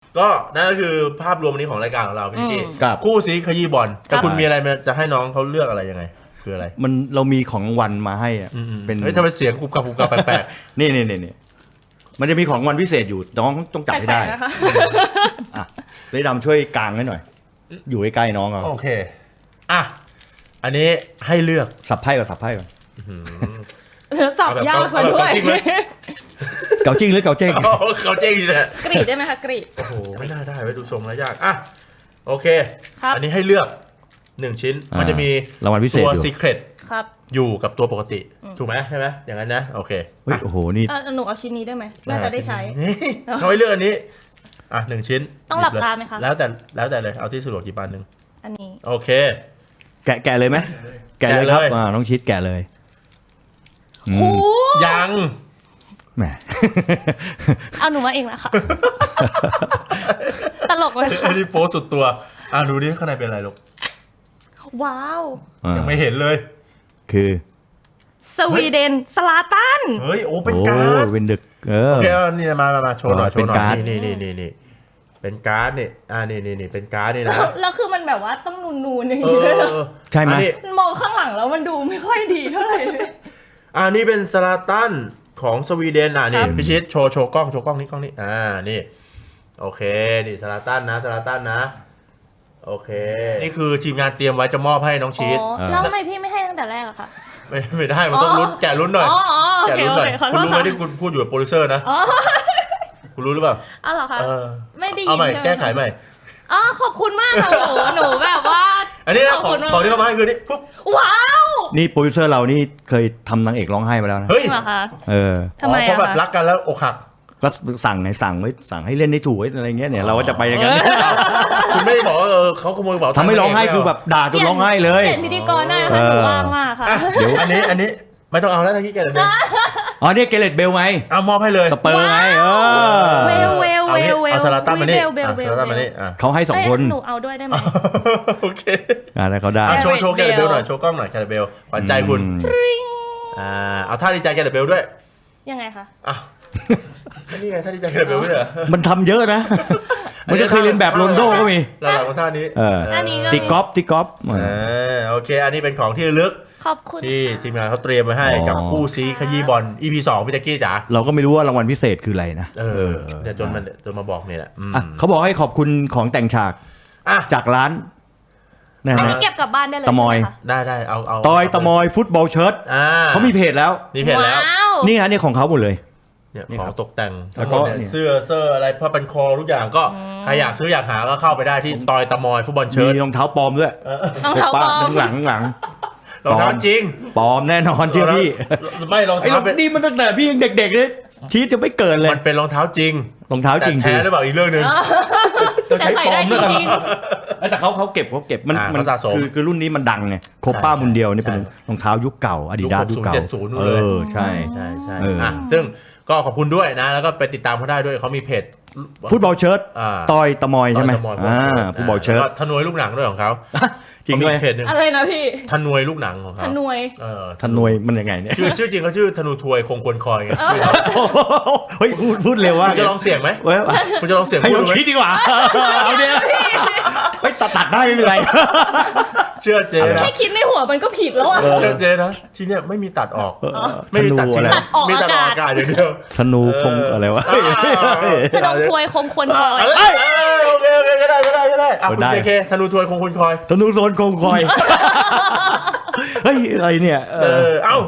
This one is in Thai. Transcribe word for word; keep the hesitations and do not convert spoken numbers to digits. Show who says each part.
Speaker 1: ก็นั่นก็คือภาพรวมวันนี้ของรายการของเราพี่กี้
Speaker 2: ครับ
Speaker 1: คู่ซีขยี้บอลแต่คุณมีอะไรจะให้น้องเขาเลือกอะไรยังไงคืออะไร
Speaker 2: มันเรามีของรางวัลมาให้อะ
Speaker 1: อืมๆ
Speaker 2: เป็น
Speaker 1: เฮ้ยทำไมเสียงกุบกับกุบกับแปลก
Speaker 2: นี่นี่นี่นี่มันจะมีของรางวัลพิเศษอยู่น้องต้องจับให้ได้
Speaker 3: แปลกๆนะคะ
Speaker 2: อ่ะเลยดำช่วยกางให้หน่อย อยู่ใกล้ๆน้องเอา
Speaker 1: ๆโอเคอ่ะอันนี้ให้เลือก
Speaker 2: สับไพ่ก่อนสับไพ่ก่อน
Speaker 1: อืม
Speaker 3: แล้วสับยากมาด้วย
Speaker 1: เอาแบบเกาจิ้งไหม
Speaker 2: เกาจริงหรือเกาเจ้ง
Speaker 1: โอ้เขาเจ๊งดีเลย
Speaker 3: กรีดได้ไหมคะกรีด
Speaker 1: โอ้โหไม่น่าได้ไว้ดูทรงแล้วยากอ่ะโอเค
Speaker 3: ครับ
Speaker 1: อันนี้ให้เลือกหนึ่งชิ้นมันจะมี
Speaker 2: รางวัลพิเศษ
Speaker 1: ตัว
Speaker 2: อยู่
Speaker 1: ซีเครต
Speaker 3: ครับ
Speaker 1: อยู่กับตัวปกติ
Speaker 3: อืม
Speaker 1: ถูกไหมใช่ไหมอย่างนั้นนะโอเค
Speaker 2: เฮ้ยโอ้โหนี่
Speaker 3: เอ่อหนูเอาชิ้นนี้ได้ไหมน่าจะได้ใช้
Speaker 1: นี่เขาให้เลือกอันนี้อ่ะหนึ่งชิ้น
Speaker 3: ต้องหลับ
Speaker 1: ยิเย
Speaker 3: ตาไหมคะ
Speaker 1: แล้วแต่แล้วแต่เลยเอาที่สะดวกกี่ปานหนึ่ง
Speaker 3: อันนี้
Speaker 1: โอเค
Speaker 2: แกะแกะเลยไหมแกะเลยครับ
Speaker 1: แกะเลย
Speaker 2: อ่าน้องชิดแกะเลยอื
Speaker 3: โอ้
Speaker 2: ม
Speaker 1: ยัง
Speaker 2: แหม
Speaker 3: เอาหนูมาเองละค่ะ ตลกเลย
Speaker 1: อั
Speaker 3: ค่ะ
Speaker 1: นนี้โป๊สุดตัวอ่ะดูดิข้างในเป็นอะไรลูก
Speaker 3: ว้าว
Speaker 2: อ่า
Speaker 1: ยังไม่เห็นเลย
Speaker 2: คือ
Speaker 3: สวีเดนสลาตัน
Speaker 1: เฮ้ยโอ้เป็น
Speaker 2: โอ้
Speaker 1: การ์ด
Speaker 2: เป็นดึกเออ
Speaker 1: โอเคเอานี่มามามาโชว์หน่อยโช
Speaker 2: เป็น
Speaker 1: ว์หน่อย
Speaker 2: การ์ด
Speaker 1: นี่นี่นี่นี่เป็นการ์ดนี่อ่านี่นี่นี่เป็นการ์ดนี่
Speaker 3: แล้
Speaker 1: นะ
Speaker 3: วแล้วคือมันแบบว่าต้องนูนๆอย่าง
Speaker 1: เอ
Speaker 3: นี้ด้วยเหรอ
Speaker 1: อ
Speaker 2: ใช่ไหม
Speaker 1: อันนี้
Speaker 3: มองข้างหลังแล้วมันดูไม่ค่อยดีเท่าไหร่เลย
Speaker 1: อ่านี่เป็นสลาตันของสวีเดนอ่ะนี่
Speaker 3: ครับ
Speaker 1: พิชิตโชว์โชว์กล้องโชว์กล้องนี่กล้องนี่อ่านี่โอเคนี่สลาตันนะสลาตันนะโอเค นี่คือทีมงานเตรียมไว้จะมอบให้น้องชี
Speaker 3: อ๋
Speaker 1: ต
Speaker 3: อแล้วทำไมพี่ไม่ให้ตั้งแต่แรกอะคะ
Speaker 1: ไม่ไม่ได้มันต้องลุ้นแกะลุ้นหน่อย
Speaker 3: อ๋ออ๋อโอ
Speaker 1: แกะ
Speaker 3: เค
Speaker 1: ลุ้น
Speaker 3: โอ
Speaker 1: หน่อย
Speaker 3: เคขอโท
Speaker 1: คุณ
Speaker 3: ษ
Speaker 1: รู้ไหม
Speaker 3: ค่ะ
Speaker 1: ที่คุณพูดอยู่กับโปรดิวเซอร์นะ
Speaker 3: อ๋อ
Speaker 1: คุณรู้หรือเปล่า
Speaker 3: อ้าวเหรอคะ
Speaker 1: เออ
Speaker 3: ไม่ได้ยิน
Speaker 1: เอาใหม่
Speaker 3: ใช่ไหม
Speaker 1: แก้ไขใหม่
Speaker 3: อ๋อขอบคุณมากค่ะหนูหนูแบบว่า
Speaker 1: อันนี้นะของ
Speaker 3: ขอบคุณมาก
Speaker 1: ของที่เขามาให้คือนี่ปุ๊บ
Speaker 3: ว้าว
Speaker 2: นี่โปรดิวเซอร์เรานี่เคยทำนางเอกร้องไห้มาแล้วนะ
Speaker 1: เฮ้ย
Speaker 3: จริงเหรอคะ
Speaker 2: เออ
Speaker 3: ทำไม
Speaker 1: อ๋อเพราะ
Speaker 3: อะ
Speaker 1: แบบ
Speaker 3: คะ
Speaker 1: รักกันแล้วอกหัก
Speaker 2: ก็สั่งไงสั่งไว้สั่งให้เล่นได้ถูกไว้อะไรเงี้ยเนี่ยเราก็จะไปอย่างนั้น
Speaker 1: คุณไม่ได้บอกว่าเออเขาขโมยกระเป๋าตังค์
Speaker 2: ทำให้ร้องไห้
Speaker 1: ปเ
Speaker 2: คือแบบด่าจนร้องไห้เลย
Speaker 3: เปลี่ยนพิธีกรได้นะคะหนูว่างมากค่ะ
Speaker 1: อ่ะเดี๋ยวอันนี้อันนี้ไม่ต้องเอาแล้วทั้งที่แกเลยเบล
Speaker 2: อ๋อเนี่ยเกเรตเบลไง
Speaker 1: เอามอบให้เลย
Speaker 2: สเปอร์ไงเออ
Speaker 3: เวลเวล
Speaker 1: เอา
Speaker 3: เว
Speaker 1: งี้
Speaker 3: ลเวล
Speaker 1: เอาสลาตันมานี่
Speaker 3: เวลเวล
Speaker 1: อ่ะ
Speaker 3: เว
Speaker 1: ส
Speaker 3: ล
Speaker 1: ลาตันมานี่อ่ะ
Speaker 2: เขาให้สองคน
Speaker 3: เยหนูเอาด้วยได้ไหม
Speaker 1: โอเค
Speaker 2: อ่าแล้วเขาได้
Speaker 1: อ่ะโชว์โชว์แก
Speaker 3: Gareth
Speaker 1: เลยเบล
Speaker 3: Bale
Speaker 1: หน่อยโชว์กล้องหน่อยแกเลยเบลขวัญใจคุณ
Speaker 2: อืม
Speaker 1: อ่าเอาท่าดีใจแกเลยเบลด้วย
Speaker 3: ยังไงคะ
Speaker 1: อ้าวนี่ไงท่าดีใจแกเลยเบลไม่ใช่เหรอ
Speaker 2: มันทำเยอะนะ มันจะเคยเรียนแบบโรนลโดก็มี
Speaker 1: หลังๆของท่านี้
Speaker 2: เออ
Speaker 3: อันนี้ก็
Speaker 2: ตีกอล์ฟตีกอล์ฟ
Speaker 1: อ่าโอเค อันนี้เป็นของที่ระลึก
Speaker 3: ขอบคุณ
Speaker 1: ที่ทีมงานเขาเตรียมไว้ให้
Speaker 2: อ๋อ
Speaker 1: กับคู่ซีขยี้บอล อี พี สองพี่แจ๊กกี้จ๋า
Speaker 2: เราก็ไม่รู้ว่ารางวัลพิเศษคืออะไรนะ
Speaker 1: เออเดี๋ยวจนมันจนมาบอกเนี่ยแหละอืม
Speaker 2: อ่ะเขาบอกให้ขอบคุณของแต่งฉาก
Speaker 1: อ่ะ
Speaker 2: จากร้านนะ
Speaker 3: อัน
Speaker 2: ฮะ
Speaker 3: นี้เก็บกลับบ้านได้เลย
Speaker 2: ตะมอย
Speaker 3: ใช่ไหคะ
Speaker 1: ได้ได้เอาเอา
Speaker 2: ตอยตะมอยฟุตบอลเชิ้ต
Speaker 1: อ่า
Speaker 2: เขามีเพจแล้ว
Speaker 1: มีเพจแล้ว
Speaker 3: ว้าว
Speaker 2: นี่ฮะนี่ของเขาหมดเลย
Speaker 1: เนี่ย
Speaker 2: นี่
Speaker 1: ขอ
Speaker 2: ครั
Speaker 1: ง
Speaker 2: บ
Speaker 1: ตกแต่ง
Speaker 2: แล้
Speaker 1: ทั้
Speaker 2: ว
Speaker 1: งห
Speaker 2: ก็
Speaker 1: มดเนี่ย
Speaker 2: เนี่ย
Speaker 1: เสื้อเสื้ออะไรผ้าพันคอทุกอย่างก็ใครอยากซื้ออยากหาก็เข้าไปได้ที่ตอยตะมอยฟุตบอลเชิ้ต
Speaker 2: มีรองเท้าปลอมด้วย
Speaker 3: รองเท้าปลอม
Speaker 2: ข้างหลังข้างหลัง
Speaker 1: รองเท้าจริง
Speaker 2: ปลอมแน่นอนเชื่อพี่
Speaker 1: ไม่รอง
Speaker 2: ไอ้
Speaker 1: เท้าเป็น
Speaker 2: นี่มันตั้งแต่พี่ยังเด็กๆเลยชีสจะไม่เกิดเลย
Speaker 1: มันเป็นรองเท้าจริง
Speaker 2: รองเท้าจริง
Speaker 1: แต่แท้หรือเปล่าอีกเรื่องหนึ่ง
Speaker 3: แต่ใส่ได้จริง
Speaker 2: แต่เขาเขาเก็บเขาเก็บมัน
Speaker 1: อ่า
Speaker 2: มั
Speaker 1: เขาสะสม
Speaker 2: คือคือรุ่นนี้มันดังไงโคป้า
Speaker 1: ใช่
Speaker 2: มุนเดียวนี่
Speaker 1: ใช่
Speaker 2: เป็นรองเท้ายุคเก่าอาดิดาส
Speaker 1: ยุ
Speaker 2: ยุ
Speaker 1: ค
Speaker 2: คเก่า
Speaker 1: หกศูนย์เจ็ดศูนย์นู่น
Speaker 2: เอ
Speaker 1: เลย
Speaker 2: อใช่
Speaker 1: ใช่ใช่
Speaker 2: เอออ่
Speaker 1: อ่ะซึ่งก็ขอบคุณด้วยนะ แล้วก็ไปติดตามเขาได้ด้วยเขามีเพจ
Speaker 2: ฟุตบอลเชิ้ต
Speaker 1: อ่า
Speaker 2: ตอยตะมอยใช่ไหม
Speaker 1: ตอยตะมอย
Speaker 2: อ่าฟุตบอลเชิ้ต
Speaker 1: แล้วก็ทนวยลูกหนังด้วยของเขา
Speaker 2: จริงด้วย
Speaker 1: เขามีเพจหนึ่ง
Speaker 3: อะไรนะพี่
Speaker 1: ทนวยลูกหนังของ
Speaker 3: ธ
Speaker 1: เขา
Speaker 3: นวย
Speaker 1: เออ
Speaker 2: ทนวยมันยังไงเนี่ย
Speaker 1: ชื่อชื่อจริงเขาชื่อธนูทวยคงควรคอยไง
Speaker 2: เฮ้ยพูดพูดเร็วว่า
Speaker 1: คุณจะลองเสียงไหม
Speaker 2: เว้ย
Speaker 1: คุณจะลองเสียง
Speaker 2: ให้
Speaker 1: พูด
Speaker 2: น้อง
Speaker 1: ดูไหม
Speaker 2: คิดดีกว่าเอาเนี่ยเฮ้ยตัดตัดได้ไม่เป็นไร
Speaker 1: เชื่อเจนะ
Speaker 3: แค่คิดในหัวมันก็ผิดแล้วอะ
Speaker 1: เชื่อเจนะที่เนี่ยไม่มีตัดออก
Speaker 2: เออ
Speaker 1: ไม่มีตัด
Speaker 2: ธนู
Speaker 1: ทิ้ง
Speaker 2: อะไร
Speaker 3: ตัดออก
Speaker 1: มีตัดออก
Speaker 3: อากาศ
Speaker 1: อากาศอย่างเดียว
Speaker 2: ธนูคงอะไรวะ
Speaker 1: เออเออ
Speaker 3: พนมทวยคงควรคอย
Speaker 1: เอ้ยเอ้ยโอเคโอเคก็ได้ก็ได้ก็ได้อ่ะคุณ
Speaker 2: ได้
Speaker 1: เจเคธนูทวยคงควรคอย
Speaker 2: ธนูโซนคงคอย เฮ้ยอะไรเนี่ยเอ
Speaker 1: เอ
Speaker 2: อ
Speaker 1: อเอ้า